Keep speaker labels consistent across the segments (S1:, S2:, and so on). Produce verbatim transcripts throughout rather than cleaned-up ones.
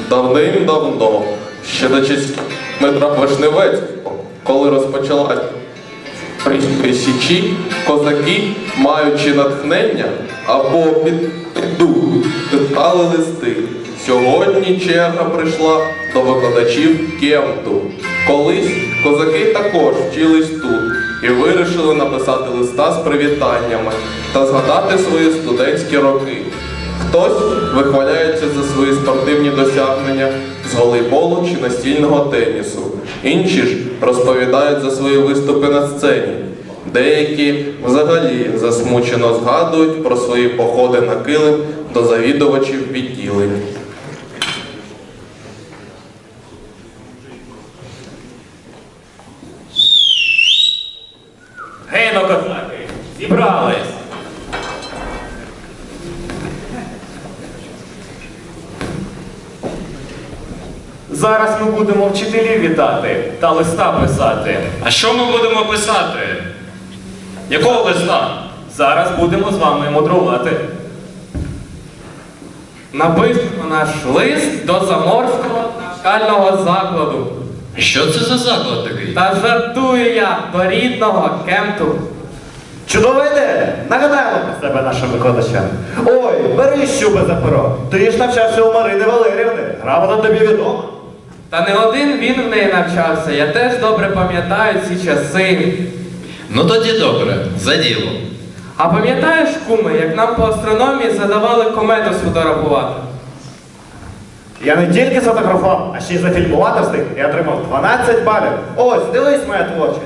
S1: Давним-давно, ще до часів Дмитра Вишневецького, коли розпочалась Запорізькі січі, козаки, маючи натхнення або підду, писали листи. Сьогодні черга прийшла до викладачів Кемту. Колись козаки також вчились тут і вирішили написати листа з привітаннями та згадати свої студентські роки. Хтось вихваляється за свої спортивні досягнення з волейболу чи настільного тенісу. Інші ж розповідають за свої виступи на сцені. Деякі взагалі засмучено згадують про свої походи на килим до завідувачів відділень.
S2: Гей, ну козаки, зібрались! Зараз ми будемо вчителів вітати та листа писати.
S3: А що ми будемо писати? Якого листа?
S2: Зараз будемо з вами мудрувати.
S4: Напишемо наш лист до Заморського навчального закладу.
S3: Що це за заклад такий?
S4: Та жартую я до рідного Кемту.
S5: Чудова ідея! Нагадаємо про себе нашим викладачам. Ой, бери щуби за перо. Ти ж навчався у Марини Валерівни. Грамота тобі відома.
S4: Та не один він в неї навчався. Я теж добре пам'ятаю ці часи.
S3: Ну тоді добре, за діло.
S4: А пам'ятаєш, куме, як нам по астрономії задавали комету сфотографувати?
S5: Я не тільки сфотографував, а ще й зафільмувати встиг і отримав дванадцять балів. Ось, дивись моя творчість.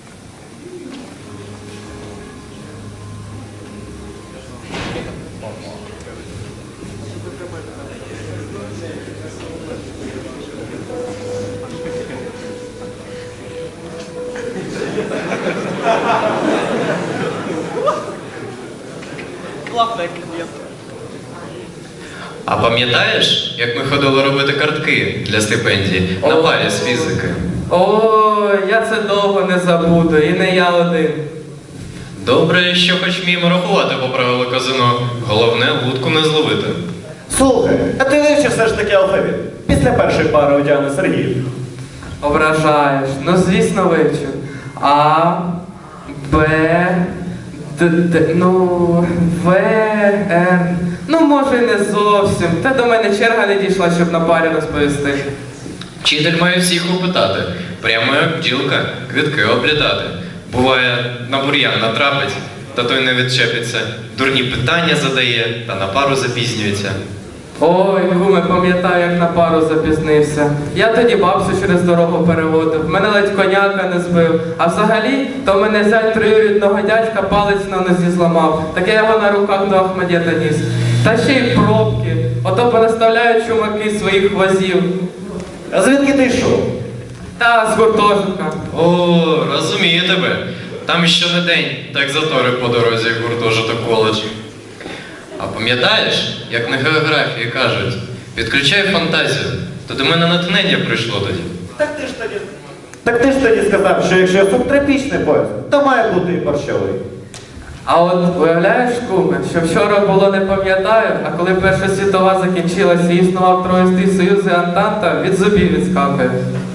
S3: А пам'ятаєш, як ми ходили робити картки для стипендії на парі з фізики?
S4: Ой, я це довго не забуду, і не я один.
S3: Добре, що хоч вміємо рахувати по правилу казино. Головне, вудку не зловити.
S5: Слухай, а ти вивчив все ж таки алфавіт. Після першої пари у Діани Сергіїв.
S4: Ображаєш. Ну, звісно, вивчу. А, Б, Д, Д, ну, В, Р. Ну, може, і не зовсім. Та до мене черга не дійшла, щоб на парі розповісти.
S3: Вчитель має всіх опитати. Прямо як бджілка, квітки облітати. Буває, на бур'ян натрапить, та той не відчепиться. Дурні питання задає, та на пару запізнюється.
S4: Ой, куме, пам'ятаю, як на пару запізнився. Я тоді бабцю через дорогу переводив, мене ледь коняка не збив. А взагалі, то мене зять троюрідного дядька палець на нозі зламав. Так я його на руках до Ахмедєта ніс. Та ще й пробки. Ото понаставляють чумаки своїх возів.
S5: А звідки ти йшов?
S4: Та з гуртожитка.
S3: О, розумію тебе. Там щонедень так затори по дорозі в гуртожиток коледж. А пам'ятаєш, як на географії кажуть, підключай фантазію, то до мене натхнення прийшло тоді.
S5: Так ти ж тоді. Так ти ж тоді сказав, що якщо субтропічний пояс, то має бути і борщовий.
S4: А от уявляєш, куме, що вчора було не пам'ятаю, а коли Перша світова закінчилася і існував Троїстий Союз і Антанта, від зубів відскакує.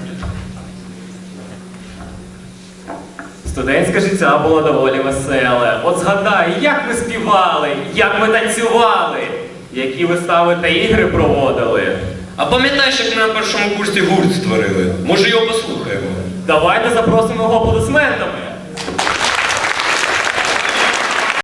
S2: Студентське життя було доволі веселе. От згадай, як ми співали, як ми танцювали, які вистави та ігри проводили.
S3: А пам'ятаєш, як ми на першому курсі гурт створили? Може його послухаємо?
S2: Давайте запросимо його аплодисментами.